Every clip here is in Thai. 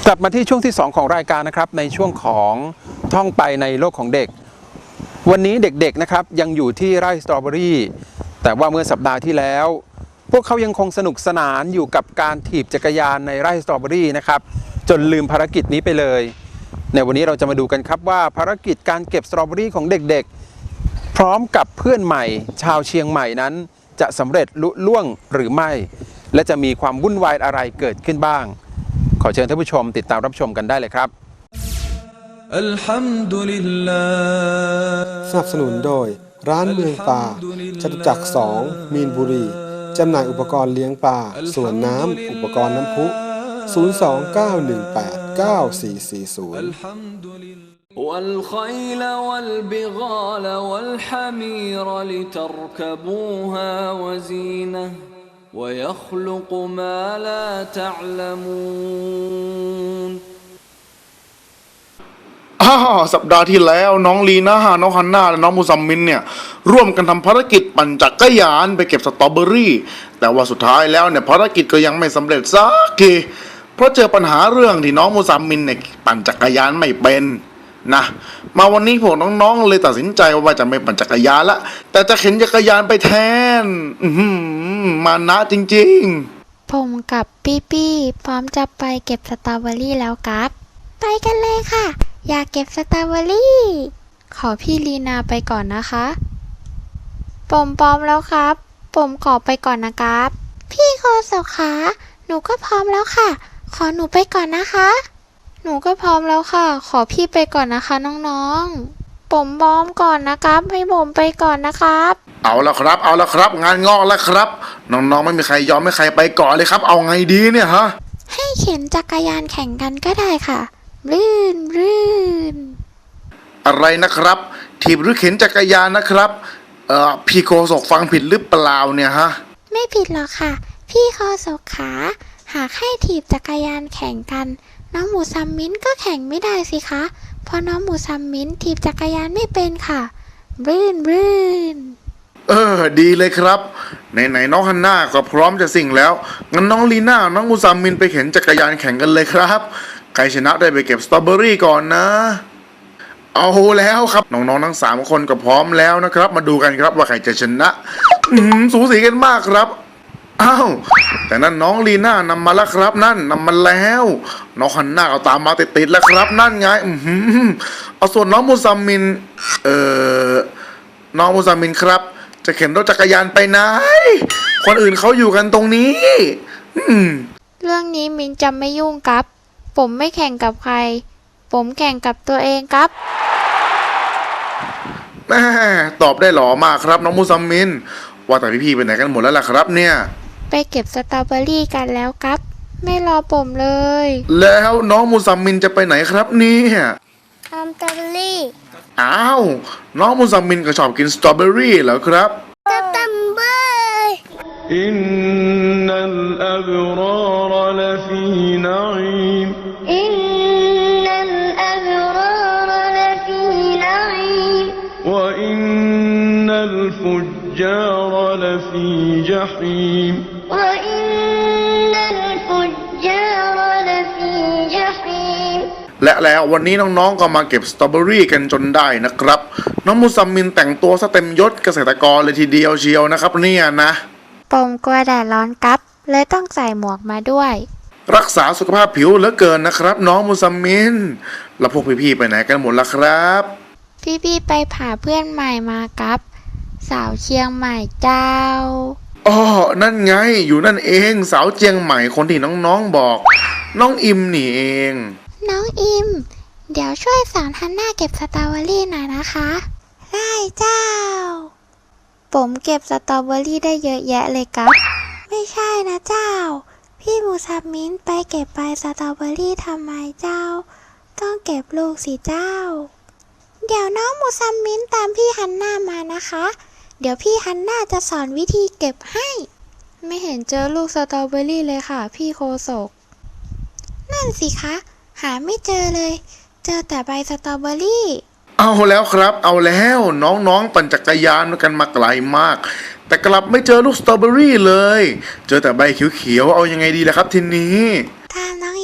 กลับมาที่ช่วงที่2ของรายการนะครับในช่วงของท่องไปในโลกของเด็กวันนี้เด็กๆนะครับยังอยู่ที่ไร่สตรอเบอรี่แต่ว่าเมื่อสัปดาห์ที่แล้วพวกเขายังคงสนุกสนานอยู่กับการถีบจักรยานในไร่สตรอเบอรี่นะครับจนลืมภารกิจนี้ไปเลยในวันนี้เราจะมาดูกันครับว่าภารกิจการเก็บสตรอเบอรี่ของเด็กๆพร้อมกับเพื่อนใหม่ชาวเชียงใหม่นั้นจะสำเร็จลุล่วงหรือไม่และจะมีความวุ่นวายอะไรเกิดขึ้นบ้างขอเชิญท่านผู้ชมติดตามรับชมกันได้เลยครับสนับสนุนโดยร้านเมืองปลาจตุจักร2มีนบุรีจำหน่ายอุปกรณ์เลี้ยงปลาสวนน้ำอุปกรณ์น้ำพุ029189440 والخيل والبغال والحمير لتركبوها وزينة ويخلق ما لا تعلمون สัปดาห์ที่แล้วน้องลีน่าน้องฮันน่าและน้องมูซัมมินเนี่ยร่วมกันทำภารกิจปั่นจักรยานไปเก็บสตรอเบอรี่แต่ว่าสุดท้ายแล้วเนี่ยภารกิจก็ยังไม่สำเร็จสักทีเพราะเจอปัญหาเรื่องที่น้องมูซัมมินเนี่ยปั่นจักรยานไม่เป็นนะมาวันนี้พวกน้องๆเลยตัดสินใจว่าจะไม่ปั่นจักรยานละแต่จะเข็นจักรยานไปแทนมานะจริงๆผมกับปี้พร้อมจะไปเก็บสตรอเบอรี่แล้วครับไปกันเลยค่ะอยากเก็บสตรอเบอรี่ขอพี่ลีนาไปก่อนนะคะผมพร้อมแล้วครับผมขอไปก่อนนะครับพี่โคศกขาหนูก็พร้อมแล้วค่ะขอหนูไปก่อนนะคะหนูก็พร้อมแล้วค่ะขอพี่ไปก่อนนะคะน้องๆผมพร้อมก่อนนะครับให้ผมไปก่อนนะครับเอาละครับงานงอกแล้วครับน้องๆไม่มีใครยอมไม่ใครไปก่อนเลยครับเอาไงดีเนี่ยฮะให้เข็นจักรยานแข่งกันก็ได้ค่ะรื่นอะไรนะครับถีบหรือเข็นจักรยานนะครับพี่โคศกฟังผิดหรือเปล่าเนี่ยฮะไม่ผิดหรอกค่ะพี่โคศกขาหากให้ถีบจักรยานแข่งกันน้องหมูซัมมิ้นก็แข่งไม่ได้สิคะเพราะน้องหมูซัมมิ้นถีบจักรยานไม่เป็นค่ะรื่นดีเลยครับไหนน้องฮันน่าก็พร้อมจะสิ่งแล้วงั้นน้องลีน่าน้องมูซัมมินไปเข็นจักรยานแข่งกันเลยครับใครชนะได้ไปเก็บสตรอเบอรี่ก่อนนะเอาแล้วครับน้องๆทั้ง3คนก็พร้อมแล้วนะครับมาดูกันครับว่าใครจะชนะสูสีกันมากครับอ้าวแต่นั่นน้องลีน่านำมาแล้วครับนั่นนำมาแล้วน้องฮันน่าเอาตามมาติดๆแล้วครับนั่นไงเอาส่วนน้องมูซัมมินน้องมูซัมมินครับจะเข็นรถจักรยานไปไหนคนอื่นเขาอยู่กันตรงนี้เรื่องนี้มินจะไม่ยุ่งครับผมไม่แข่งกับใครผมแข่งกับตัวเองครับแม่ตอบได้หล่อมากครับน้องมูซัมมินว่าแต่พี่ๆไปไหนกันหมดแล้วล่ะครับเนี่ยไปเก็บสตรอเบอรี่กันแล้วครับไม่รอผมเลยแล้วน้องมูซัมมินจะไปไหนครับเนี่ยทำสตรอเบอรี่อ้าวน้องมูซัมมินก็ชอบกินสตรอเบอรี่เหรอครับสตรอเบอรี่อินนัลอับรารลฟีนัอีมอินนัลอับรารลฟีนัอีมวะอินนัลฟุจจารลฟีญะฮีมวะอินนัลฟุจจารลฟีญะฮีมและแล้ววันนี้น้องๆก็มาเก็บสตรอเบอรี่กันจนได้นะครับน้องมูซัมมินแต่งตัวซะเต็มยศเกษตรกรเลยทีเดียวเชียวนะครับเนี่ยนะผมกลัวแดดร้อนครับเลยต้องใส่หมวกมาด้วยรักษาสุขภาพผิวเหลือเกินนะครับน้องมูซัมมินแล้วพวกพี่ๆไปไหนกันหมดล่ะครับพี่ไปหาเพื่อนใหม่มาครับสาวเชียงใหม่เจ้าอ๋อนั่นไงอยู่นั่นเองสาวเชียงใหม่คนที่น้องๆบอกน้องอิมนี่เองน้องอิมเดี๋ยวช่วยสอนฮันน่าเก็บสตรอเบอรี่หน่อยนะคะได้เจ้าผมเก็บสตรอเบอรี่ได้เยอะแยะเลยครับไม่ใช่นะเจ้าพี่มูซัมมินไปเก็บใบสตรอเบอรี่ทำไมเจ้าต้องเก็บลูกสิเจ้าเดี๋ยวน้องมูซัมมินตามพี่ฮันน่ามานะคะเดี๋ยวพี่ฮันน่าจะสอนวิธีเก็บให้ไม่เห็นเจอลูกสตรอเบอรี่เลยค่ะพี่โคศกนั่นสิคะหาไม่เจอเลยเจอแต่ใบสตรอเบอรี่เอาแล้วครับเอาแล้วน้องๆปั่นจักรยานกันมาไกลมากแต่กลับไม่เจอลูกสตรอเบอรี่เลยเจอแต่ใบเขียวๆเอายังไงดีล่ะครับทีนี้ตามน้อง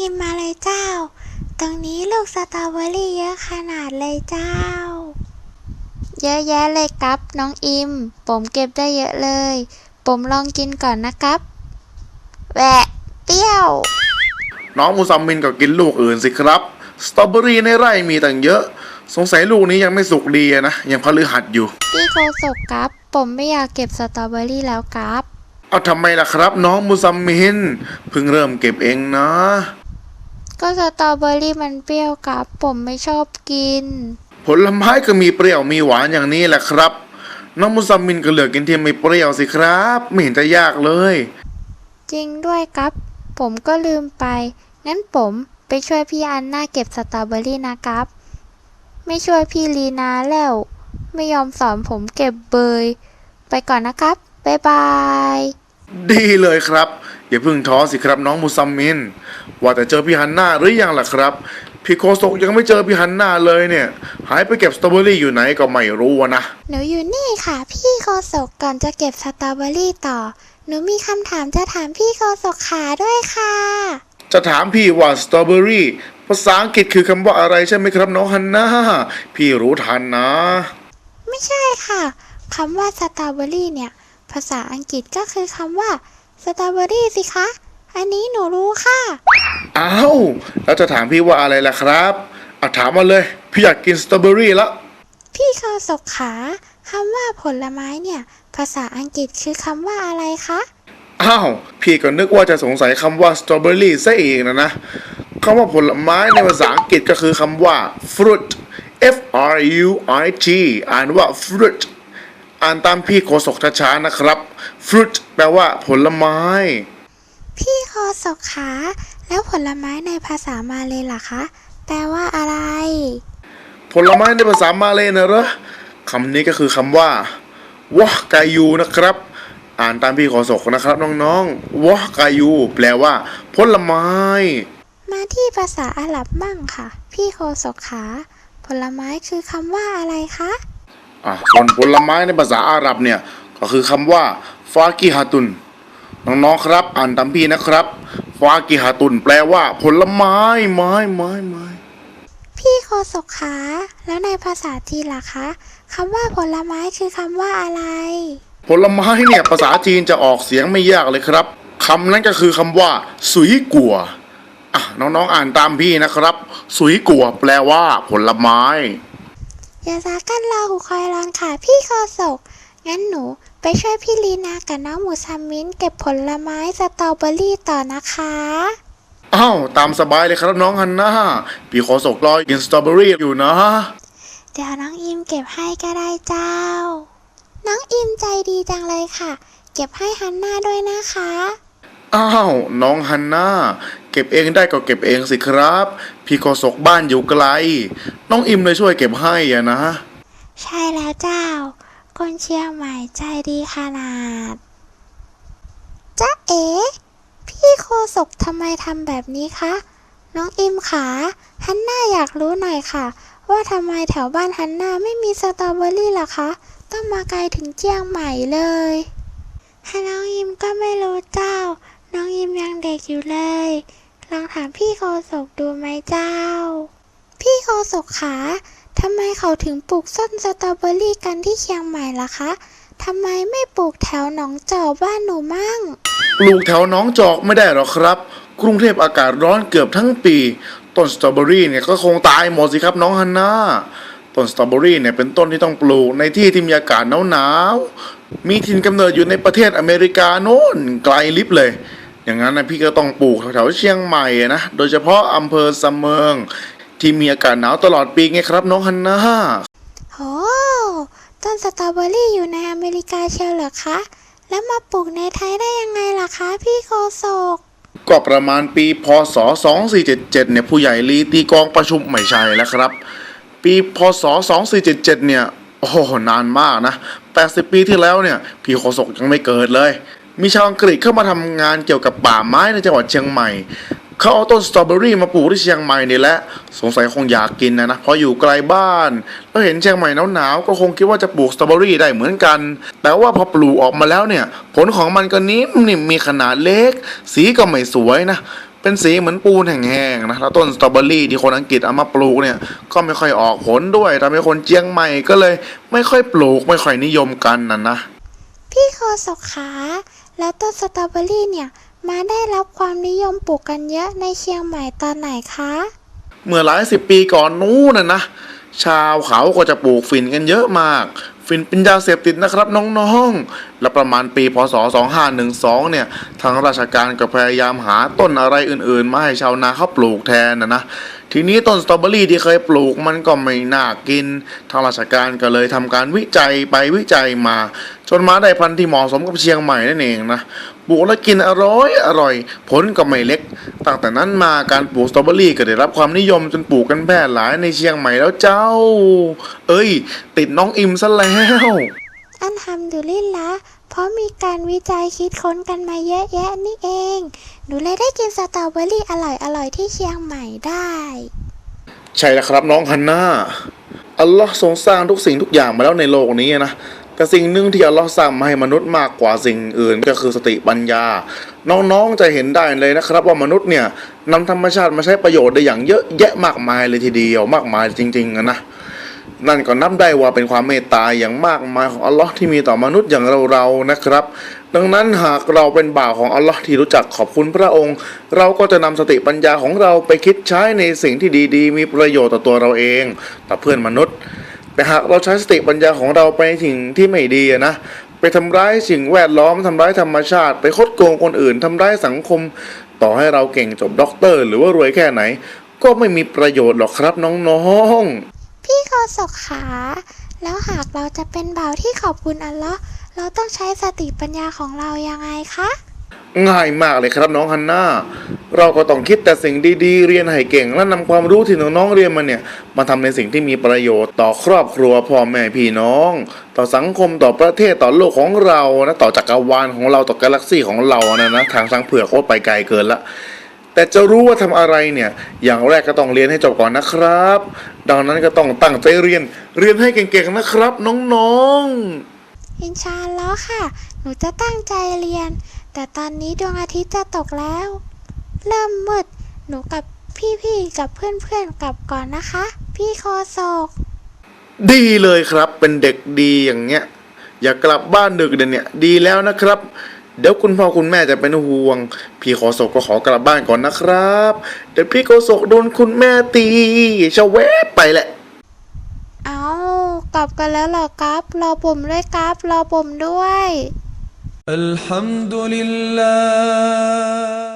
อิมมาเลยเจ้า ตรงนี้ลูกสตรอเบอรี่เยอะขนาดเลยเจ้า เยอะแยะเลยครับน้องอิม ผมเก็บได้เยอะเลย ผมลองกินก่อนนะครับแหวะเปรี้ยวน้องมูซัมมินก็กินลูกอื่นสิครับสตรอเบอรี่ในไร่มีตั้งเยอะ สงสัยลูกนี้ยังไม่สุกดีอะนะยังพฤหัสอยู่พี่โคศกครับ ผมไม่อยากเก็บสตรอเบอรี่แล้วครับเอาทำไมล่ะครับ น้องมูซัมมินเพิ่งเริ่มเก็บเองนะก็สตรอเบอรี่มันเปรี้ยวครับ ผมไม่ชอบกินผลไม้ก็มีเปรี้ยวมีหวานอย่างนี้แหละครับ น้องมูซัมมินก็เลือกกินที่ไม่เปรี้ยวสิครับไม่เห็นจะยากเลยจริงด้วยครับ ผมก็ลืมไป งั้นผมไปช่วยพี่อันน่าเก็บสตรอเบอรี่นะครับ ไม่ช่วยพี่ลีนาแล้ว ไม่ยอมสอนผมเก็บเบย ไปก่อนนะครับ บ๊ายบายดีเลยครับอย่าเพิ่งท้อสิครับน้องมูซัมมินว่าแต่เจอพี่ฮันน่าหรือยังล่ะครับพี่โคศกยังไม่เจอพี่ฮันน่าเลยเนี่ย หายไปเก็บสตรอเบอรี่อยู่ไหนก็ไม่รู้อะนะหนูอยู่นี่ค่ะ พี่โคศกก่อนจะเก็บสตรอเบอรี่ต่อ หนูมีคำถามจะถามพี่โคศกขาด้วยค่ะจะถามพี่ว่าสตรอเบอรี่ภาษาอังกฤษคือคำว่าอะไรใช่ไหมครับน้องฮันน่าพี่รู้ทันนะไม่ใช่ค่ะคำว่าสตรอเบอรี่เนี่ย ภาษาอังกฤษก็คือคำว่าสตรอเบอรี่สิคะ อันนี้หนูรู้ค่ะอ้าวแล้วจะถามพี่ว่าอะไรล่ะครับถามมาเลยพี่อยากกินสตรอเบอรี่ละพี่โคศกขาคำว่าผลไม้เนี่ย ภาษาอังกฤษคือคำว่าอะไรคะอ้าวพี่ก็นึกว่าจะสงสัยคำว่าสตรอเบอรี่ซะเองนะคำว่าผลไม้ในภาษาอังกฤษก็คือคำว่า fruit F R U I T อ่านว่า fruit อ่านตามพี่โคศกช้าๆนะครับ fruit แปลว่าผลไม้พี่โคศกขาแล้วผลไม้ในภาษามาเลยล่ะคะ แปลว่าอะไรผลไม้ในภาษามาเลยนะเหรอคำนี้ก็คือคำว่าวะกายูนะครับ อ่านตามพี่โคศกนะครับน้องๆวะกายูแปลว่าผลไม้มาที่ภาษาอาหรับมั่งค่ะ พี่โคศกขาผลไม้คือคำว่าอะไรคะส่วนผลไม้ในภาษาอาหรับเนี่ยก็คือคำว่าฟากิฮาตุนน้องๆครับอ่านตามพี่นะครับฟากิฮาตุนแปลว่าผลไม้ไม้พี่โคศกขาแล้วในภาษาจีนล่ะคะคำว่าผลไม้คือคำว่าอะไรผลไม้เนี่ยภาษาจีนจะออกเสียงไม่ยากเลยครับคำนั้นก็คือคำว่าสุยกัวน้องๆอ่านตามพี่นะครับสุยกัวแปลว่าผลไม้อย่าซากันรอหูคอยรอนค่ะพี่โคศก งั้นหนูไปช่วยพี่ลีนากับน้องหมูซัมมินเก็บผลไม้สตรอเบอรี่ต่อนะคะตามสบายเลยครับน้องฮันน่าพี่โคศกรอกินสตรอเบอรี่อยู่นะเดี๋ยวน้องอิมเก็บให้ก็ได้เจ้า น้องอิมใจดีจังเลยค่ะ เก็บให้ฮันน่าด้วยนะคะน้องฮันน่าเก็บเองได้ก็เก็บเองสิครับพี่โคศกบ้านอยู่ไกลน้องอิมเลยช่วยเก็บให้อะนะใช่แล้วเจ้า คนเชียงใหม่ใจดีขนาดจ๊ะเอ๋พี่โคศกทำไมทำแบบนี้คะ น้องอิมขาฮันน่าอยากรู้หน่อยค่ะ ว่าทำไมแถวบ้านฮันน่าไม่มีสตรอเบอรี่ล่ะคะ ต้องมาไกลถึงเชียงใหม่เลยน้องอิมก็ไม่รู้เจ้า น้องอิมยังเด็กอยู่เลย ลองถามพี่โคศกดูไหมเจ้า พี่โคศกขาทำไมเขาถึงปลูกต้นสตรอเบอรี่กันที่เชียงใหม่ล่ะคะทำไมไม่ปลูกแถวหนองจอกบ้านหนูมั่งปลูกแถวหนองจอกไม่ได้หรอกครับ กรุงเทพอากาศร้อนเกือบทั้งปีต้นสตรอเบอรี่เนี่ยก็คงตายหมดสิครับน้องฮันน่าต้นสตรอเบอรี่เนี่ยเป็นต้นที่ต้องปลูกในที่ที่มีอากาศหนาวๆมีถิ่นกำเนิดอยู่ในประเทศอเมริกาโน่นไกลลิบเลย อย่างนั้นนะพี่ก็ต้องปลูกแถวเชียงใหม่นะโดยเฉพาะอำเภอสะเมิงที่มีอากาศหนาวตลอดปีไงครับน้องฮันน่าโหต้นสตรอเบอรี่อยู่ในอเมริกาเชียวเหรอคะ แล้วมาปลูกในไทยได้ยังไงล่ะคะพี่โคศกก็ประมาณปีพศ2477เนี่ยผู้ใหญ่ลีตีกองประชุมไม่ใช่แล้วครับปีพศ2477เนี่ยโอ้โหนานมากนะ80 ปีที่แล้วเนี่ยพี่โคศกยังไม่เกิดเลยมีชาวอังกฤษเข้ามาทำงานเกี่ยวกับป่าไม้ในจังหวัดเชียงใหม่เขาเอาต้นสตรอเบอรี่มาปลูกที่เชียงใหม่นี่แหละสงสัยคงอยากกินนะเพราะอยู่ไกลบ้านแล้วเห็นเชียงใหม่หนาวๆก็คงคิดว่าจะปลูกสตรอเบอรี่ได้เหมือนกันแต่ว่าพอปลูกออกมาแล้วเนี่ยผลของมันก็นิ่มๆมีขนาดเล็กสีก็ไม่สวยนะเป็นสีเหมือนปูนแห้งๆนะแล้วต้นสตรอเบอรี่ที่คนอังกฤษเอามาปลูกเนี่ยก็ไม่ค่อยออกผลด้วยทำให้คนเจียงใหม่ก็เลยไม่ค่อยปลูกไม่ค่อยนิยมกันนะพี่โคศกขาแล้วต้นสตรอเบอรี่เนี่ยมาได้รับความนิยมปลูกกันเยอะในเชียงใหม่ตอนไหนคะเมื่อหลายสิบปีก่อนนู้นนะชาวเขาก็จะปลูกฝิ่นกันเยอะมากฝิ่นเป็นยาเสพติดนะครับน้องๆและประมาณปีพศ2512เนี่ยทางราชการก็พยายามหาต้นอะไรอื่นๆมาให้ชาวนาเขาปลูกแทนนะทีนี้ต้นสตรอเบอรี่ที่เคยปลูกมันก็ไม่น่ากินทางราชการก็เลยทำการวิจัยไปวิจัยมาจนมาได้พันธุ์ที่เหมาะสมกับเชียงใหม่นั่นเองนะปลูกแล้วกินอร่อยผลก็ไม่เล็กตั้งแต่นั้นมาการปลูกสตรอเบอรี่ก็ได้รับความนิยมจนปลูกกันแพร่หลายในเชียงใหม่แล้วเจ้าติดน้องอิมซะแล้วอันทำดูลิลละเพราะมีการวิจัยคิดค้นกันมาเยอะแยะนี่เองหนูเลยได้กินสตรอเบอรี่อร่อยที่เชียงใหม่ได้ใช่แล้วครับน้องฮันน่าอัลลอฮ์ทรงสร้างทุกสิ่งทุกอย่างมาแล้วในโลกนี้นะแต่สิ่งหนึ่งที่อัลลอฮ์สร้างมาให้มนุษย์มากกว่าสิ่งอื่นก็คือสติปัญญาน้องๆจะเห็นได้เลยนะครับว่ามนุษย์เนี่ยนำธรรมชาติมาใช้ประโยชน์ได้อย่างเยอะแยะมากมายเลยทีเดียวมากมายจริงๆนะนั่นก็นับได้ว่าเป็นความเมตตาอย่างมากมายของอัลลอฮ์ที่มีต่อมนุษย์อย่างเราๆนะครับดังนั้นหากเราเป็นบ่าวของอัลลอฮ์ที่รู้จักขอบคุณพระองค์เราก็จะนำสติปัญญาของเราไปคิดใช้ในสิ่งที่ดีๆมีประโยชน์ต่อตัวเราเองต่อเพื่อนมนุษย์แต่หากเราใช้สติปัญญาของเราไปในสิ่งที่ไม่ดีนะไปทำร้ายสิ่งแวดล้อมทำร้ายธรรมชาติไปคดโกงคนอื่นทำร้ายสังคมต่อให้เราเก่งจบด็อกเตอร์หรือว่ารวยแค่ไหนก็ไม่มีประโยชน์หรอกครับน้องๆพี่โคศกขาแล้วหากเราจะเป็นบ่าวที่ขอบคุณอัลเลาะห์เราต้องใช้สติปัญญาของเรายังไงคะง่ายมากเลยครับน้องฮันน่าเราก็ต้องคิดแต่สิ่งดีๆเรียนให้เก่งและนำความรู้ที่น้องๆเรียนมาเนี่ยมาทำในสิ่งที่มีประโยชน์ต่อครอบครัวพ่อแม่พี่น้องต่อสังคมต่อประเทศต่อโลกของเรานะต่อจักรวาลของเราต่อกาแล็กซี่ของเรานะทางช้างเผือกโคตรไปไกลเกินละแต่จะรู้ว่าทำอะไรเนี่ยอย่างแรกก็ต้องเรียนให้จบก่อนนะครับดังนั้นก็ต้องตั้งใจเรียนให้เก่งๆนะครับน้องๆอินชาอัลลอฮ์ค่ะ หนูจะตั้งใจเรียน แต่ตอนนี้ดวงอาทิตย์จะตกแล้ว เริ่มมืด หนูกับพี่ๆกับเพื่อนๆกลับก่อนนะคะ พี่โคศกดีเลยครับเป็นเด็กดีอย่างเงี้ยอย่ากลับบ้านดึกเดี๋ยวนี้ดีแล้วนะครับเดี๋ยวคุณพ่อคุณแม่จะเป็นห่วงพี่โคศกก็ขอกลับบ้านก่อนนะครับเดี๋ยวพี่โคศกโดนคุณแม่ตีชะแวบไปแหละเอากลับกันแล้วเหรอครับ รอผมด้วยครับ รอผมด้วย الحمد لله